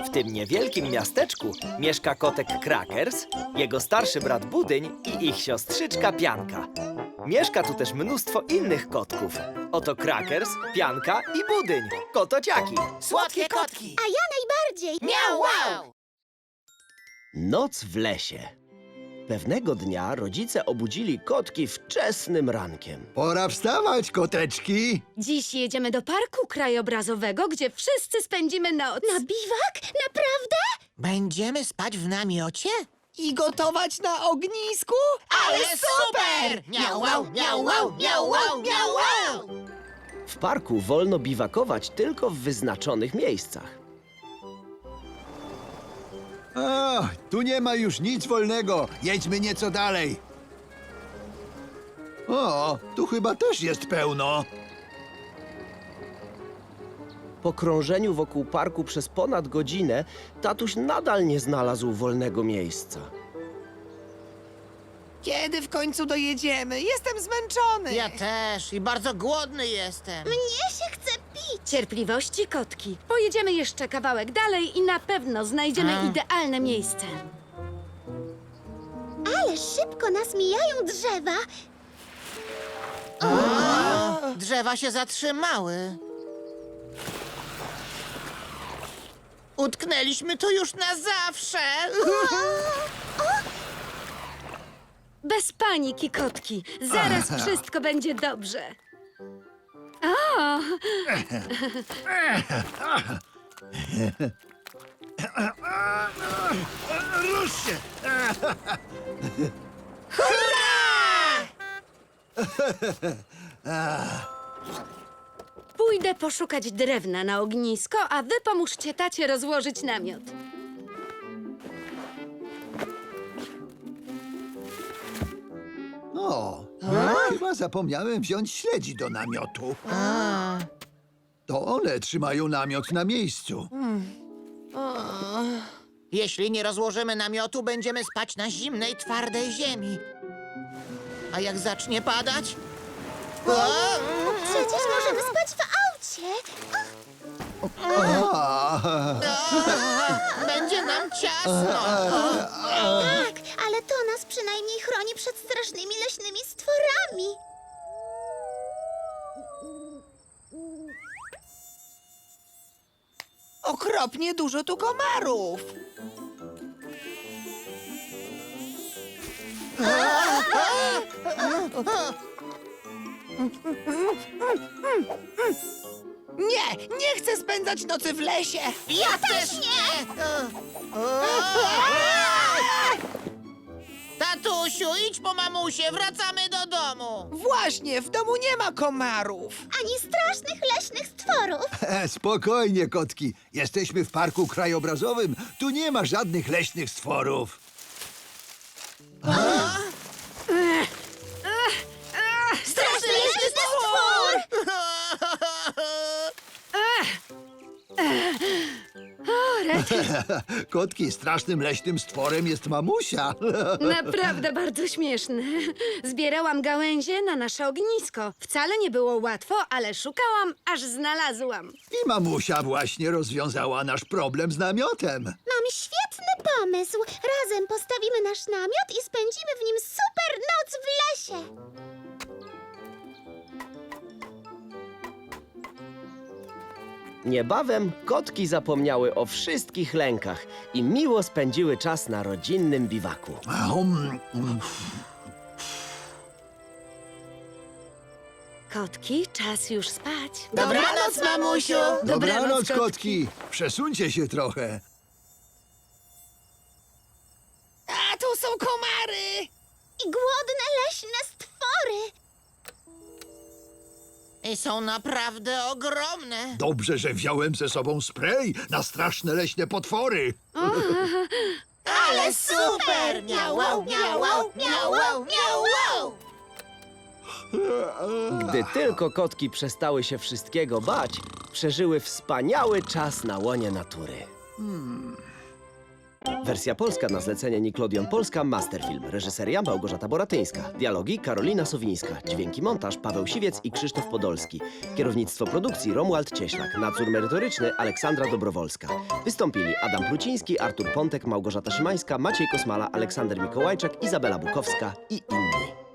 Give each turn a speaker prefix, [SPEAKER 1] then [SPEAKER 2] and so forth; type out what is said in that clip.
[SPEAKER 1] W tym niewielkim miasteczku mieszka kotek Crackers, jego starszy brat Budyń i ich siostrzyczka Pianka. Mieszka tu też mnóstwo innych kotków. Oto Crackers, Pianka i Budyń, kotociaki.
[SPEAKER 2] Słodkie kotki!
[SPEAKER 3] A ja najbardziej!
[SPEAKER 2] Miau, wow!
[SPEAKER 4] Noc w lesie. Pewnego dnia rodzice obudzili kotki wczesnym rankiem.
[SPEAKER 5] Pora wstawać, koteczki!
[SPEAKER 6] Dziś jedziemy do parku krajobrazowego, gdzie wszyscy spędzimy noc.
[SPEAKER 3] Na biwak? Naprawdę?
[SPEAKER 2] Będziemy spać w namiocie?
[SPEAKER 7] I gotować na ognisku?
[SPEAKER 2] Ale super! Miau, wow, miau, wow, miau, wow, miau, wow!
[SPEAKER 4] W parku wolno biwakować tylko w wyznaczonych miejscach.
[SPEAKER 5] O, tu nie ma już nic wolnego. Jedźmy nieco dalej. O, tu chyba też jest pełno.
[SPEAKER 4] Po krążeniu wokół parku przez ponad godzinę tatuś nadal nie znalazł wolnego miejsca.
[SPEAKER 7] Kiedy w końcu dojedziemy? Jestem zmęczony.
[SPEAKER 2] Ja też i bardzo głodny jestem.
[SPEAKER 3] Mnie się chce pić.
[SPEAKER 6] Cierpliwości, kotki. Pojedziemy jeszcze kawałek dalej i na pewno znajdziemy idealne miejsce.
[SPEAKER 3] Ale szybko nas mijają drzewa.
[SPEAKER 2] Drzewa się zatrzymały. Utknęliśmy tu już na zawsze.
[SPEAKER 6] Bez paniki, kotki. Zaraz wszystko będzie dobrze. O!
[SPEAKER 5] Rusz się!
[SPEAKER 6] Pójdę poszukać drewna na ognisko, a wy pomóżcie tacie rozłożyć namiot.
[SPEAKER 5] O, chyba zapomniałem wziąć śledzi do namiotu. To one trzymają namiot na miejscu.
[SPEAKER 2] Jeśli nie rozłożymy namiotu, będziemy spać na zimnej, twardej ziemi. A jak zacznie padać?
[SPEAKER 3] Przecież możemy spać w aucie.
[SPEAKER 2] Będzie nam ciasno.
[SPEAKER 3] Tak, ale to nas przynajmniej chroni przed strasznymi leśnymi stworami.
[SPEAKER 7] Okropnie dużo tu komarów. Nie chcę spędzać nocy w lesie.
[SPEAKER 2] Ja też nie! Tatusiu, idź po mamusię, wracamy do domu.
[SPEAKER 7] Właśnie, w domu nie ma komarów.
[SPEAKER 3] Ani strasznych leśnych stworów.
[SPEAKER 5] Spokojnie, kotki. Jesteśmy w parku krajobrazowym. Tu nie ma żadnych leśnych stworów.
[SPEAKER 2] Straszny leśny stwór!
[SPEAKER 5] Kotki, strasznym leśnym stworem jest mamusia.
[SPEAKER 6] Naprawdę bardzo śmieszne. Zbierałam gałęzie na nasze ognisko. Wcale nie było łatwo, ale szukałam, aż znalazłam.
[SPEAKER 5] I mamusia właśnie rozwiązała nasz problem z namiotem.
[SPEAKER 3] Mam świetny pomysł. Razem postawimy nasz namiot i spędzimy w nim super noc w lesie.
[SPEAKER 4] Niebawem kotki zapomniały o wszystkich lękach i miło spędziły czas na rodzinnym biwaku.
[SPEAKER 6] Kotki, czas już spać.
[SPEAKER 2] Dobranoc, mamusiu!
[SPEAKER 5] Dobranoc, kotki. Przesuńcie się trochę.
[SPEAKER 7] A tu są komary.
[SPEAKER 3] I głodne leśne stwory.
[SPEAKER 2] I są naprawdę ogromne.
[SPEAKER 5] Dobrze, że wziąłem ze sobą spray na straszne leśne potwory.
[SPEAKER 2] Ale super! Miau, wow, miau, wow, miau, wow, miau, wow!
[SPEAKER 4] Gdy tylko kotki przestały się wszystkiego bać, przeżyły wspaniały czas na łonie natury. Wersja polska na zlecenie Nickelodeon Polska Masterfilm. Reżyseria Małgorzata Boratyńska. Dialogi Karolina Sowińska. Dźwięki montaż Paweł Siwiec i Krzysztof Podolski. Kierownictwo produkcji Romuald Cieślak. Nadzór merytoryczny Aleksandra Dobrowolska. Wystąpili Adam Pluciński, Artur Pontek, Małgorzata Szymańska, Maciej Kosmala, Aleksander Mikołajczak, Izabela Bukowska i inni.